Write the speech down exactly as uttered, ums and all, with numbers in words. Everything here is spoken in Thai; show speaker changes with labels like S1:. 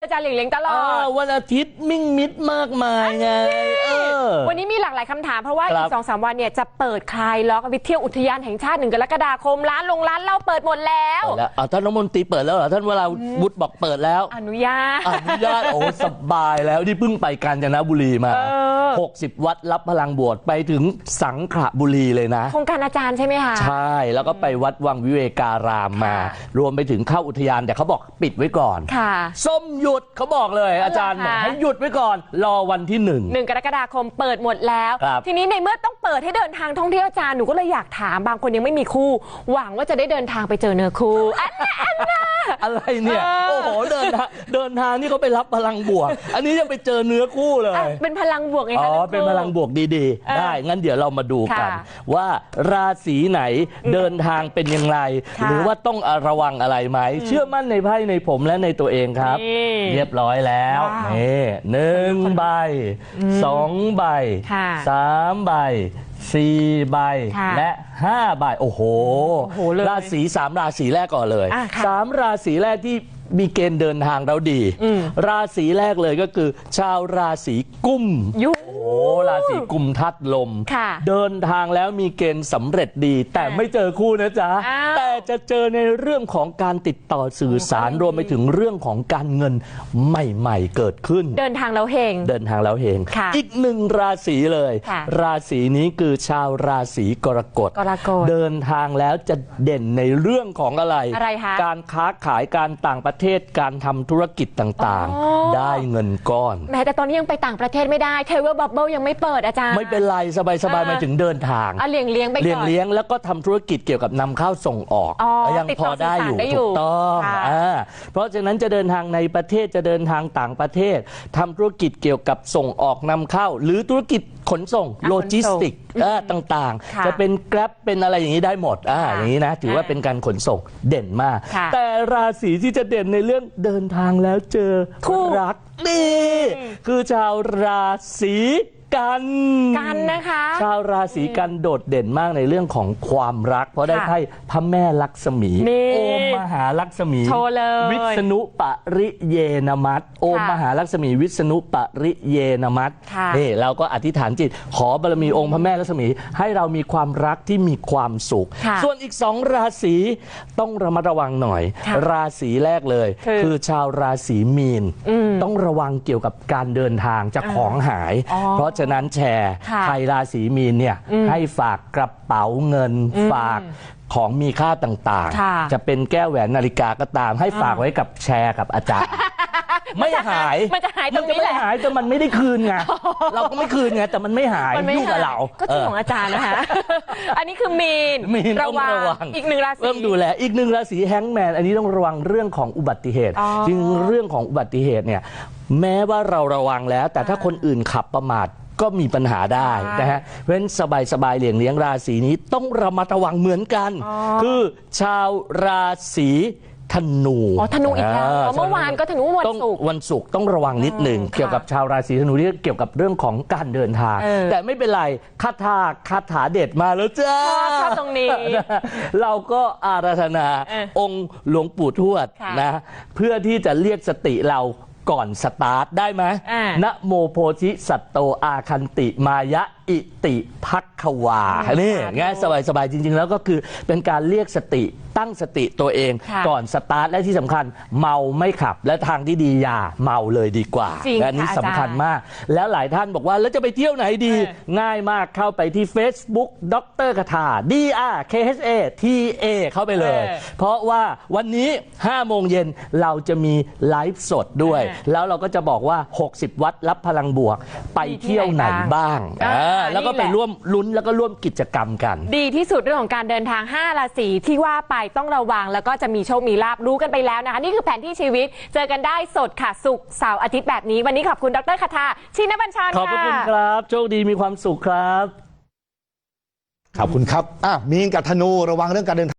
S1: อาจารย์เหลียงเลี้ยงตลอด
S2: วันอาทิตย์มิ่งมิดมากมายไง
S1: วันนี้มีหลากหลายคำถามเพราะว่าอีกสองสามวันเนี่ยจะเปิดคลายล็อกไปเที่ยวอุทยานแห่งชาติหนึ่งกรกฎาคมร้านลงร้านเหล้าเปิดหมดแล้ว
S2: ท่านรัฐมนตรีเปิดแล้วเหรอท่านวราวุฒิบอกเปิดแล้ว
S1: อนุญาต
S2: อนุญาตโอ้สบายแล้วที่เพิ่งไปกาญจนบุรีมาหกสิบวัดรับพลังบวชไปถึงสังขละบุรีเลยนะ
S1: โครงการอาจารย์ใช่ไหมคะ
S2: ใช่แล้วก็ไปวัดวังวิเวการามมารวมไปถึงเข้าอุทยานแต่เขาบอกปิดไว้ก่อน
S1: ค่ะ
S2: ส้มหยุดเขาบอกเลยอาจารย์บอกให้หยุดไว้ก่อนรอวันที่หนึ่ง
S1: หนึ่งกรกฎาคมเปิดหมดแล้วทีนี้ในเมื่อต้องเปิดให้เดินทางท่องเที่ยวอาจารย์หนูก็เลยอยากถามบางคนยังไม่มีคู่หวังว่าจะได้เดินทางไปเจอเนื้อคู่
S2: อะไรเนี่ยโอ้โหเดินทางเดินทางนี่เขาไปรับพลังบวกอันนี้ยังไปเจอเนื้อคู่เลย
S1: เป็นพลังบวกไงคะ
S2: อ๋อเป็นพลังบวกดีๆได้งั้นเดี๋ยวเรามาดูกันว่าราศีไหนเดินทางเป็นยังไงหรือว่าต้องระวังอะไรไหมเชื่อมั่นในไพ่ในผมและในตัวเองครับเรียบร้อยแล้วนี่หนึ่งใบสองใบสามใบสี่ใบและห้าใบโอ้โหราศีสามราศีแรกก่อนเลยสามราศีแรกที่มีเกณฑ์เดินทางเราดีราศีแรกเลยก็คือชาวราศีกุม
S1: ยุ
S2: โอ้ราศีกุมธาตุลมเดินทางแล้วมีเกณฑ์สำเร็จดีแต่ไม่เจอคู่นะจ๊ะแต่จะเจอในเรื่องของการติดต่อสื่อสารรวมไปถึงเรื่องของการเงินใหม่ๆเกิดขึ้น
S1: เดินทางแล้วเฮง
S2: เดินทางแล้วเฮงอีกหนึ่งราศีเลยราศีนี้คือชาวราศีกรกฎเดินทางแล้วจะเด่นในเรื่องของอะไรการค้าขายการต่างประเทศการทำธุรกิจต่างๆได้เงินก้อน
S1: แม้แต่ตอนนี้ยังไปต่างประเทศไม่ได้เทเวอร์บับเบิ้ลยังไม่เปิดอาจารย์
S2: ไม่เป็นไรสบายๆมาถึงเดินทาง
S1: เลี้ยงเลี้ยงไปก่อน
S2: เลี้ยงเลี้ยงแล้วก็ทำธุรกิจเกี่ยวกับนำเข้าส่งออกยังพอได้อยู่ถูกต้องเพราะฉะนั้นจะเดินทางในประเทศจะเดินทางต่างประเทศทำธุรกิจเกี่ยวกับส่งออกนำเข้าหรือธุรกิจขนส่งโลจิสติกต่างๆจะเป็นแกร็บเป็นอะไรอย่างนี้ได้หมดอ่าอย่างนี้นะถือว่าเป็นการขนส่งเด่นมากแต่ราศีที่จะเด่นในเรื่องเดินทางแล้วเจอคู่รักนี่คือชาวราศีกัน
S1: กันนะคะ
S2: ชาวราศีกันโดดเด่นมากในเรื่องของความรักเพราะได้ไพ่พระแม่ลักษมีโอมมหาลักษมีวิษณุปริเยนมัตโอมมหาลักษมีวิษณุปริเยนมัตนี่เราก็อธิษฐานจิตขอบารมีองค์พระแม่ลักษมีให้เรามีความรักที่มีความสุขส่วนอีกสองราศีต้องระมัดระวังหน่อยราศีแรกเลยคือชาวราศีมีนต้องระวังเกี่ยวกับการเดินทางจะของหายเพราะฉะนั้นแชร์ใครราศีมีนเนี่ยให้ฝากกระเป๋าเงินฝากของมีค่าต่างๆจะเป็นแก้วแหวนนาฬิกาก็ตามให้ฝากไว้กับแชร์กับอาจารย์ไม่หาย
S1: มันจะหายตรงนี้แหละ
S2: หายแต่มันไม่ได้คืนไงเราก็ไม่คืนไงแต่มันไม่หายยุ่งกับเรา
S1: ก็จริงของอาจารย์นะคะอันนี้คือมีน
S2: ระวัง
S1: อีกหนึ่งราศี
S2: เริ่มดูแลอีกหนึ่งราศีแฮงก์แมนอันนี้ต้องระวังเรื่องของอุบัติเหตุจริงเรื่องของอุบัติเหตุเนี่ยแม้ว่าเราระวังแล้วแต่ถ้าคนอื่นขับประมาทก็มีปัญหาได้นะฮะเพราะฉะนั้นสบายๆเลี่ยงเลี้ยงราศีนี้ต้องระมัดระวังเหมือนกันคือชาวราศีธนู
S1: อ๋อธนูอีกแล้วเมื่อวานก็ธนูวันศุกร์
S2: วันศุกร์ต้องระวังนิดหนึ่งเกี่ยวกับชาวราศีธนูที่เกี่ยวกับเรื่องของการเดินทางแต่ไม่เป็นไรคาถาคาถาเด็ดมาแล้วจ้า
S1: ชอบตรงนี้
S2: เราก็อาราธนาองค์หลวงปู่ทวดนะเพื่อที่จะเรียกสติเราก่อนสตาร์ทได้ไหมนะโมโพธิสัตโตอาคันติมายะอิติภักขวานี่ง่ายสบายๆจริงๆแล้วก็คือเป็นการเรียกสติตั้งสติตัวเองก่อนสตาร์ทและที่สำคัญเมาไม่ขับและทางที่ดีอย่าเมาเลยดีกว่าและนี้สำคัญมากแล้วหลายท่านบอกว่าแล้วจะไปเที่ยวไหนดีง่ายมากเข้าไปที่ Facebook ดร.คาถา D R K H A T A เข้าไปเลยเพราะว่าวันนี้ห้าโมงเย็นเราจะมีไลฟ์สดด้วยแล้วเราก็จะบอกว่าหกสิบวัดรับพลังบวกไปเที่ยวไหนบ้างแล้วก็ไปร่วมลุ้นแล้วก็ร่วมกิจกรรมกัน
S1: ดีที่สุดเรื่องของการเดินทางห้าราศีที่ว่าไปต้องระวังแล้วก็จะมีโชคมีลาภรู้กันไปแล้วนะคะนี่คือแผนที่ชีวิตเจอกันได้สดค่ะศุกร์เสาร์อาทิตย์แบบนี้วันนี้ขอบคุณดร.คาถาชินบัญชร
S2: ขอบคุณครับโชคดีมีความสุขครับ
S3: ขอบคุณครับอ่ะมีนกับธนูระวังเรื่องการเดิน